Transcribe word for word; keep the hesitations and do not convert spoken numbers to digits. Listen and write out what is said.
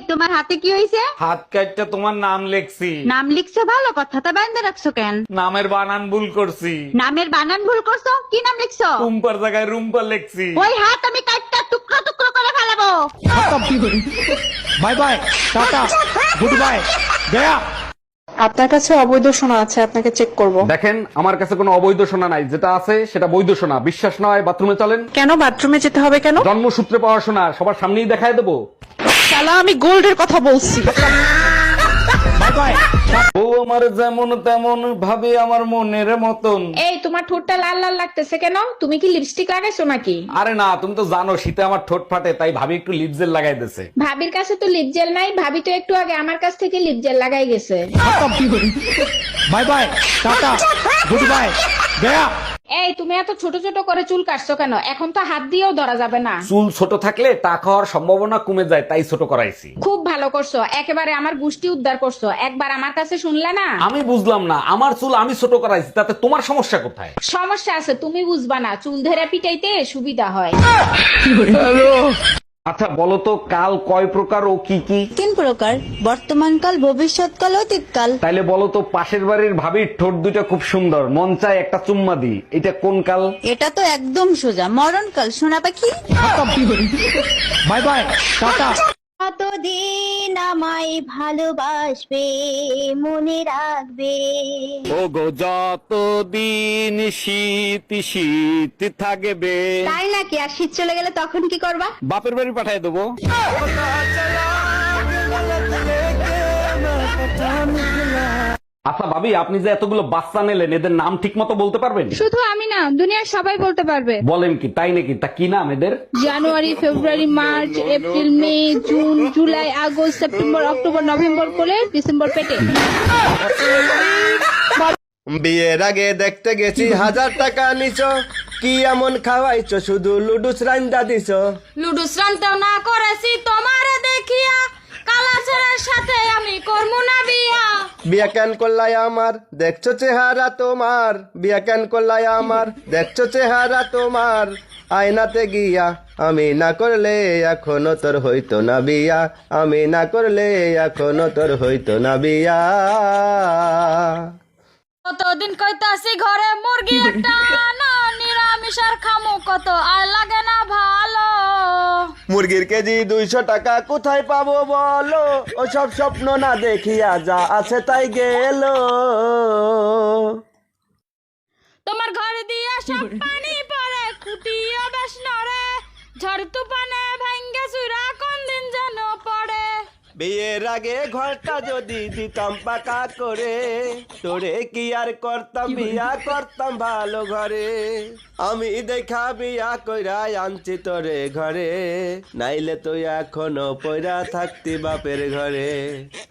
তোমার হাতে কি হইছে? হাত কাটটা তোমার নাম লেখছি। নাম লিখছো ভালো কথা, তা বাইন্দা রাখছো কেন? নামের বানান ভুল করছি। নামের বানান ভুল করছো? কি নাম লিখছো? রুম্পার জায়গায় রুম্পা লেখছি। ওই হাত আমি কাটটা টুকরো টুকরো করে ফেলাবো। Bye bye, tata, good bye, গয়া। আপনার কাছে অবৈধ সোনা আছে, আপনাকে চেক করব। দেখেন, আমার কাছে কোনো অবৈধ সোনা নাই, যেটা আছে সেটা বৈধ সোনা। বিশ্বাস নয় বাথরুমে চলেন। কেন বাথরুমে যেতে হবে কেন? জন্মসূত্রে পাওয়া সোনা, সবার সামনেই দেখায় দেবো। শালা আমি গোল্ডের কথা বলছি। Bye bye. ও আমার যেমন তেমন ভাবে আমার মনের মতন। এই তোমার ঠোঁটটা লাল লাল লাগতেছে কেন? তুমি কি লিপস্টিক লাগাইছো নাকি? আরে না, তুমি তো জানো শীতে আমার ঠোঁট ফাটে, তাই ভাবি একটু লিপ জেল লাগাই দিছে। ভাবির কাছে তো লিপ জেল নাই, ভাবি তো একটু আগে আমার কাছ থেকে লিপ জেল লাগাই গেছে। Bye bye, tata, good bye, গয়া। এই তুমি এত ছোট ছোট করে চুল কাটছো কেন? এখন তো হাত দিয়েও ধরা যাবে না। চুল ছোট থাকলে টাকা হওয়ার সম্ভাবনা কমে যায়, তাই ছোট করাইছি। খুব ভালো করছো, একেবারে আমার গুষ্টি উদ্ধার করছো। একবার আমার কাছে শুনলে না? আমি বুঝলাম না, আমার চুল আমি ছোট করাইছি, তাতে তোমার সমস্যা কোথায়? সমস্যা আছে, তুমি বুঝবা না। চুল ধরে পিটাইতে সুবিধা হয়। আচ্ছা বলো তো, কাল কয় প্রকার ও কি কি? তিন প্রকার, বর্তমানকাল, ভবিষ্যৎকাল, অতীতকাল। তাইলে বলো তো, পাশের বাড়ির ভাবির ঠোঁট দুইটা খুব সুন্দর, মন চায় একটা চুম্মা দি, এটা কোন কাল? এটা তো একদম সোজা, মরণকাল, সোনা পাখি। Bye bye, tata. কতদিন আমায় ভালোবাসবে, মনে রাখবে। ও গো যতদিন শীত শীত থাকবে। তাই নাকি? আর শীত চলে গেলে তখন কি করবা? বাপের বাড়ি পাঠায় দেবো। আচ্ছা ভাবি, আপনি যে এতগুলো বাচ্চা নিলেন, এদের নাম ঠিক মতো বলতে পারবেন? শুধু আমি না, দুনিয়ার সবাই বলতে পারবে। বলেন কি, তাই নাকি? তা কি নাম এদের? January, February, March, April, May, June, July, August, September, October, November করে ডিসেম্বর পেটে। বিয়ের আগে দেখতে গেছি হাজার টাকা নিছো, কি এমন খাওয়াইছো শুধু লুডুস রান্দা দিছো। লুডু শ্রান্ত না করেছি তোমারে দেখিয়া, কালাচরের সাথে আমি করমু না বিয়া। বিয়া কেন করলাই আমার, দেখছো চেহারা তোমার। বিয়া কেন করলাই আমার, দেখছো চেহারা তোমার। আয়নাতে গিয়া আমি না করলে এখনো তোর হইতো না বিয়া। আমি না করলে এখনো তোর হইতো না বিয়া। কতদিন কইতাছি ঘরে মুরগি একটা আনো, নিরামিষ আর খামু কত আর লাগে না ভালো। মুরগির কেজি দুইশো টাকা কোথায় পাবো বলো, ও সব স্বপ্ন না দেখিয়া যা আছে তাই গেল। তোমার ঘর দিয়া সব পানি পড়ে, খুঁটিও বেশ নড়ে, ঝড় তুফানে ভাঙ্গে চুরা কোন দিন যেন পড়ে। বিয়ের আগে ঘরটা যদি দিতাম পাকা করে, তোরে কি আর করতাম বিয়া, করতাম ভালো ঘরে। আমি দেখা বিয়া কইরা আনছি তোরে ঘরে, নাইলে তুই এখনো পয়রা থাকতি বাপের ঘরে।